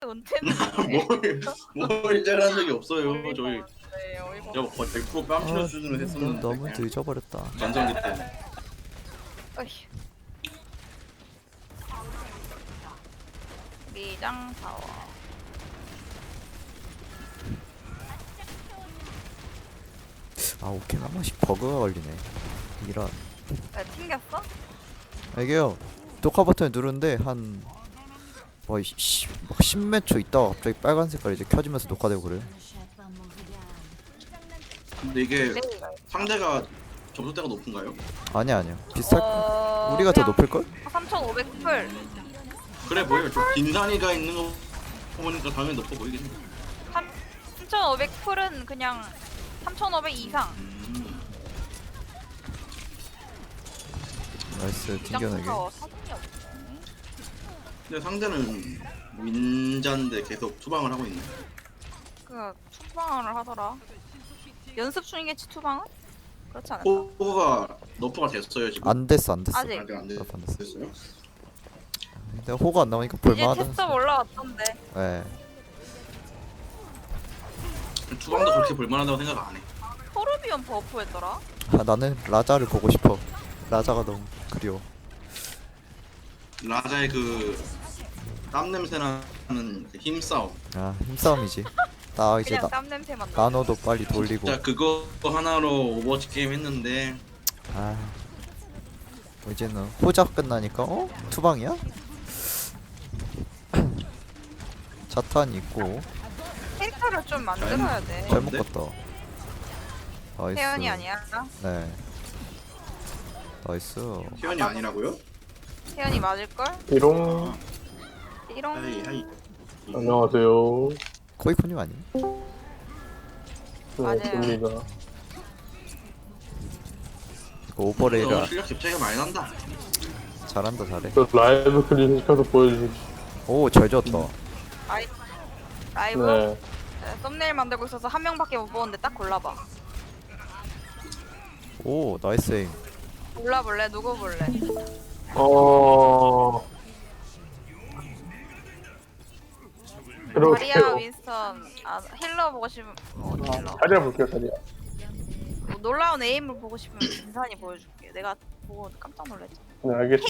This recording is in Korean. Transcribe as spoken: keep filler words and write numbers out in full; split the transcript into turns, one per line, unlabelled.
은퇴는
뭘, 뭘 잘한 적이 없어요.
어이가
저희
없네, 어이가
제가 거의 백 퍼센트 뺨치는
아,
수준으로
너,
했었는데
너무
그냥
늦어버렸다.
전성기 때.
어휴. 미장 사워.
아 오케이 한 번씩 버그가 걸리네. 이런.
왜 튕겼어?
이게요. 녹화 버튼을 누르는데 한 뭐, 씨, 막 십몇 초 있다가 갑자기 빨간 색깔 이제 켜지면서 녹화되고 그래.
근데 이게
네.
상대가 점수대가 높은가요?
아니야 아니야. 비슷할.
어...
우리가 더
그냥
높을 걸?
삼천오백 풀.
그래 보여요. 저 빈산이가 있는 거 보니까 당연히 높아 보이겠네.
삼천오백 풀은 그냥 삼천오백 이상.
음.
나이스 튕겨내기.
미장 사진이 없네.
근데 상대는 윈자인데 계속 투방을 하고 있네.
그 투방을 하더라. 연습 중이겠지 투방은? 그렇지 않을까?
호가 너프가 됐어요 지금.
안 됐어 안 됐어.
아직.
아직 안
너프 안 됐어.
됐어요.
근데 호가 안 나오니까
이제
볼만하다.
테스트 올라왔던데.
예.
투방도 그렇게 볼만하다고 생각 안 해.
토르비온 버프했더라.
아 나는 라자를 보고 싶어. 라자가 너무 그리워.
라자의 그 땀 냄새 나는 그 힘싸움.
아 힘싸움이지. 나 이제
그냥
나,
땀 냄새만 나.
나노도 빨리 돌리고.
진짜 그거 하나로 오버워치 게임 했는데
아 이제는 호작 끝나니까 어? 투방이야? 자탄 있고
캐릭터를 좀 만들어야 돼.
잘
뭔데?
먹었다. 나이스.
태연이 아니야.
네. 나이스.
희연이 아니라고요?
태연이 맞을걸?
비롱.
이런
하이 하이.
안녕하세요.
코이코님 아니?
맞아요.
반갑습니다.
이거 오버레이라
너 실력 격차가 많이 난다.
잘한다 잘해.
저 라이브 클립 시켜서 보여주시.
오잘 지었다.
라이, 라이브?
네.
네, 썸네일 만들고 있어서 한 명밖에 못 보는데 딱 골라봐.
오 나이스 에임.
골라볼래? 누구 볼래?
어. 그리고
마리아 윈스턴 아 힐러 보고 싶으면 어, 힐러.
자리야 볼게요, 자리야.
뭐 놀라운 에임을 보고 싶으면 진산이 보여줄게. 내가 보고 깜짝 놀랐지.
네, 알겠습니다.